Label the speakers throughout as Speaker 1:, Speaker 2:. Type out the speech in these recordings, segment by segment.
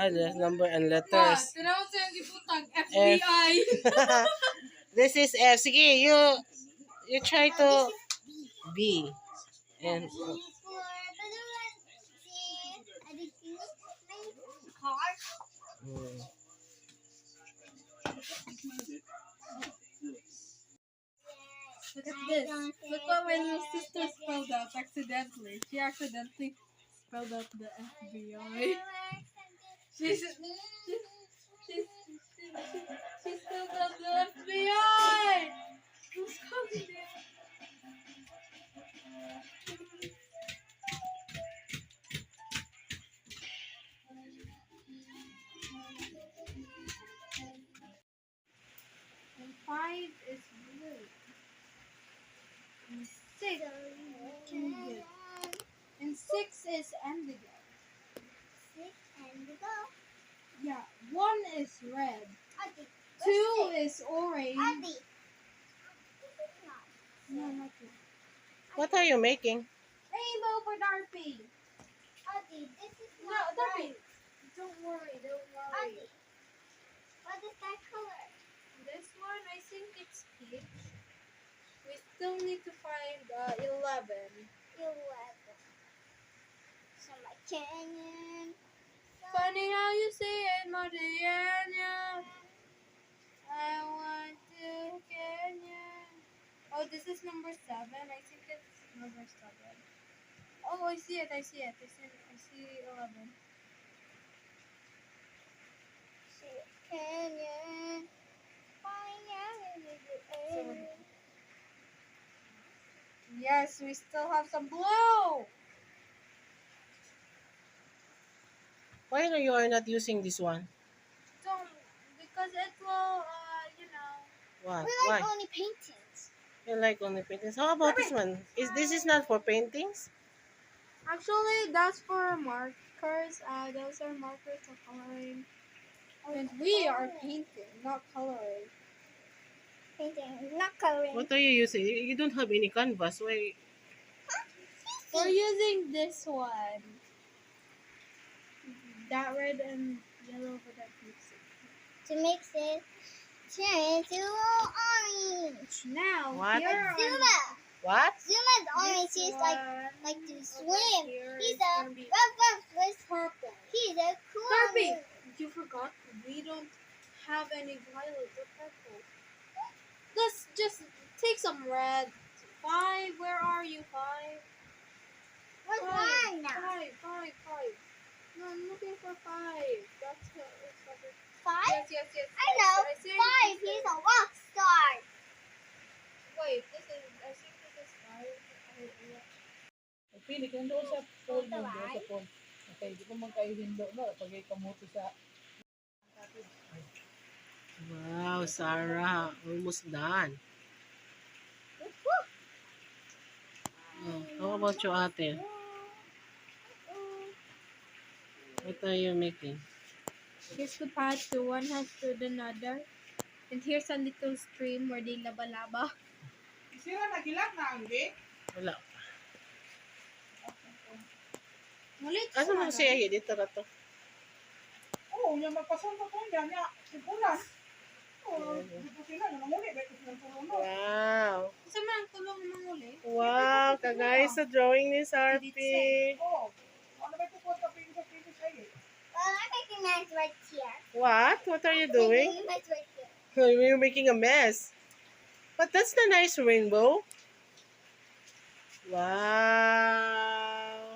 Speaker 1: There's number and
Speaker 2: Ma,
Speaker 1: letters.
Speaker 2: tinaw sa yung gibutang
Speaker 1: F.
Speaker 2: FBI.
Speaker 1: This is F. Sige, you try to B. And mm.
Speaker 2: Look at this. Look what my little sister spelled out accidentally. She accidentally spelled out the FBI. She spelled out the FBI. Who's calling it? And 5 is blue. And 6 indigo. And 6 is indigo. Yeah, 1 is red. 2 is orange. No, not two.
Speaker 1: What are you making?
Speaker 2: Rainbow for Darby. No, Darby. Don't worry, don't worry.
Speaker 3: What is that color?
Speaker 2: This one, I think it's peach. We still need to find 11.
Speaker 3: 11. So my canyon.
Speaker 2: Funny how you say it, Mariana. I want to canyon. Oh, this is number 7. I think it's number 7. Oh, I see it. I see 11.
Speaker 3: Canyon. Flying out into the air.
Speaker 2: Yes, we still have some blue.
Speaker 1: Why are you not using this one?
Speaker 2: Don't, because it will,
Speaker 1: What?
Speaker 3: We
Speaker 1: Why?
Speaker 3: like only paintings.
Speaker 1: You like only paintings. How about this one? This is not for paintings?
Speaker 2: Actually, that's for markers. Those are markers for coloring. And we are painting, not coloring.
Speaker 3: Painting, not coloring.
Speaker 1: What are you using? You don't have any canvas. Why?
Speaker 2: We're using this one. That red and yellow for that mixing.
Speaker 3: To mix it, turn into orange.
Speaker 2: Now,
Speaker 1: What?
Speaker 2: here are
Speaker 3: Zuma.
Speaker 1: What?
Speaker 3: Zuma's orange. He's like to swim. He's a with
Speaker 2: purple.
Speaker 3: He's a cool.
Speaker 2: Barbie, you forgot we don't have any violet or purple. Let's just take some red. 5, where are you? 5.
Speaker 3: What's
Speaker 2: Five.
Speaker 3: mine now?
Speaker 2: 5. No, I'm looking for 5. That's what it's covered.
Speaker 3: 5?
Speaker 2: Yes.
Speaker 3: I know.
Speaker 2: I think
Speaker 3: 5.
Speaker 2: this
Speaker 3: He's
Speaker 2: is-
Speaker 3: a rock star.
Speaker 2: Wait, I think this is 5.
Speaker 4: Pili ka doon sa pool mo, doon sa pool. Okay, di ko man kayo hindo, no? Pag kamuto sa...
Speaker 1: Wow, Sarah. Almost done. Oh, how about your ate? What are you making?
Speaker 2: Here's the path to one house to another. And here's a little stream where they laba-laba.
Speaker 4: Sira na gilang na ang gate.
Speaker 1: Wala.
Speaker 2: Mulit
Speaker 1: Asa mo siya? Dito na to.
Speaker 4: Oo, yung magpasang ko niya, niya, sipulan. Oo, dito sila, namuli, beto silang tulong no.
Speaker 1: Wow.
Speaker 2: Isa man ang tulong ng muli.
Speaker 1: Wow, kagaya sa drawing ni Sarpi.
Speaker 4: Oo, ano ba ito po sa pinis ay?
Speaker 3: Well, I'm making mess right here.
Speaker 1: What? What are you doing?
Speaker 3: Making mess right here.
Speaker 1: You're making a mess. But that's the nice rainbow. Wow.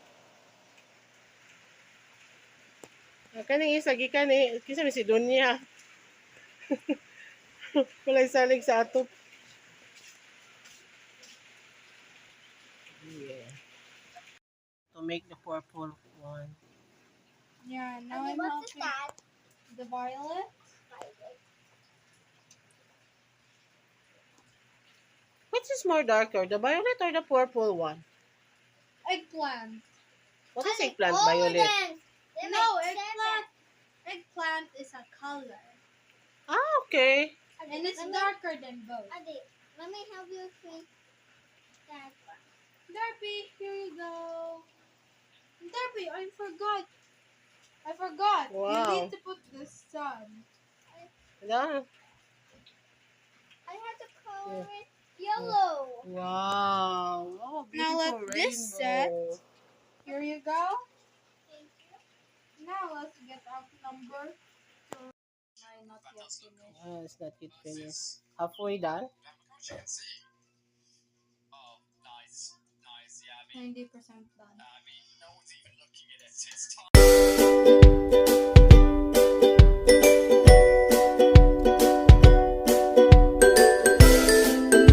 Speaker 1: Kani isa gikani kisa mi si Dunya. Walay salig sa atop. Yeah. To make the purple one.
Speaker 2: Yeah, now
Speaker 3: Okay,
Speaker 2: I'm
Speaker 3: what's
Speaker 2: helping
Speaker 3: that?
Speaker 2: the violet.
Speaker 1: Which is more darker, the violet or the purple one?
Speaker 2: Eggplant.
Speaker 1: What is eggplant
Speaker 3: All of
Speaker 1: violet?
Speaker 3: them. They
Speaker 2: No,
Speaker 3: make
Speaker 2: eggplant. Eggplant is a color.
Speaker 1: Ah, okay.
Speaker 3: seven.
Speaker 2: And it's
Speaker 3: Let me-
Speaker 2: darker than both.
Speaker 3: Adi, let me help you create that one.
Speaker 2: Darby, here you go. Darby, I forgot forgot. You
Speaker 1: Wow.
Speaker 2: need to put the sun.
Speaker 1: Done.
Speaker 3: I have to color it yellow.
Speaker 1: Wow. Oh,
Speaker 2: Now
Speaker 1: beautiful
Speaker 2: let this set.
Speaker 1: rainbow.
Speaker 2: Here you go.
Speaker 3: Thank you.
Speaker 2: Now let's get out number 2. Mine not yet finished.
Speaker 1: Ah, it's not yet finished. Halfway done.
Speaker 2: 90% done.